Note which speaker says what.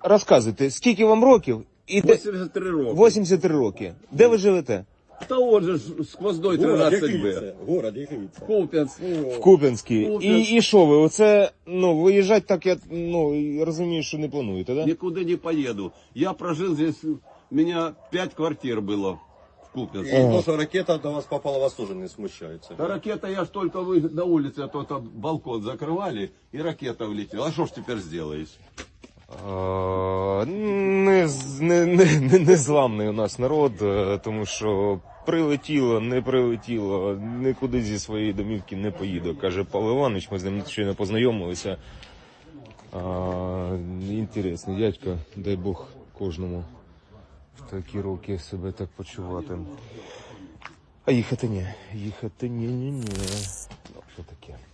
Speaker 1: Розказуйте, скільки вам років? І де...
Speaker 2: 83 роки.
Speaker 1: 83 роки. Де ви живете?
Speaker 2: Та от же ж сквозной 13Б.
Speaker 3: Город Якивіця.
Speaker 2: Куп'янськ.
Speaker 1: В Куп'янській.
Speaker 2: Куп'янськ.
Speaker 1: І що ви? Оце, виїжджати так, я, розумію, що не плануєте, да?
Speaker 2: Никуда не поеду. Я прожил здесь, у меня 5 квартир было в Куп'янске.
Speaker 3: І то, що ракета до вас попала, вас теж не смущається.
Speaker 2: Да ракета, я ж только вы на улице, а то там балкон закрывали, и ракета влетела. А что ж теперь сделаешь?
Speaker 1: Незламний у нас народ, тому що прилетіло, не прилетіло, нікуди зі своєї домівки не поїду, каже Павло Іванович, ми з ним щойно познайомилися. Інтересний дядько, дай Бог кожному в такі роки себе так почувати. А їхати ні, ні. Ну, що таке?